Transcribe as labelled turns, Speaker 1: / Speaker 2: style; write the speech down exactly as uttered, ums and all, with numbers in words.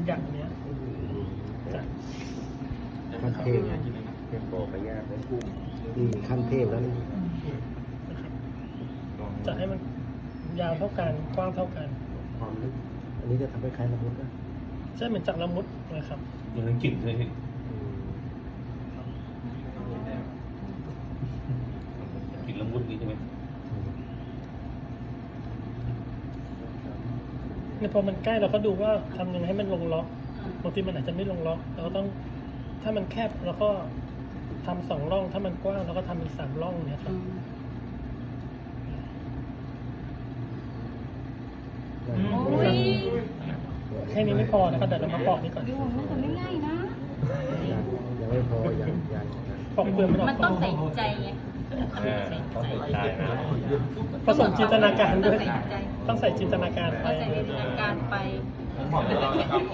Speaker 1: อย่างเนี้ยจะ
Speaker 2: ขั้นเทพเทพโบไปยากเลยนี่ขั้นเทพแล้วนี่
Speaker 1: นะครับจะให้มันยาวเท่ากันกว้างเท่ากัน
Speaker 2: ความลึกอันนี้จะทำให้คล้ายละมุดนะ
Speaker 1: ใช่เหมือนจากละมุดเลยครับ
Speaker 3: มันเป็นกลิ่นเลยพี่
Speaker 2: อืม
Speaker 3: กลิ่นละมุดนี่ใช่ไหม
Speaker 1: เนี่ยพอมันใกล้เราก็ดูว่าทำยังไงให้มันลงล็อกบางทีมันอาจจะไม่ลงล็อกเราก็ต้องถ้ามันแคบเราก็ทำสองร่องถ้ามันกว้างเราก็ทำเป็นสามร่องเนี่ยครับ
Speaker 4: โอ้ย
Speaker 1: แค่นี้ไม่พอนะครับเดี๋ยวเรามาปอกนี่ก่อน
Speaker 4: ดูน่าจะไม่ง่ายนะ
Speaker 2: ยังยังไม่พอยังยัง
Speaker 1: ปอกเปลือกมันออก
Speaker 4: มันต้องใส่ใจไง
Speaker 3: ต้องใส่ใจนะ
Speaker 1: ผสมจินตนาการด้วย
Speaker 4: ต้องใส่ใจ
Speaker 1: ต้องใส่จินตนาการไป
Speaker 4: ต้องใส่จินตนาการไป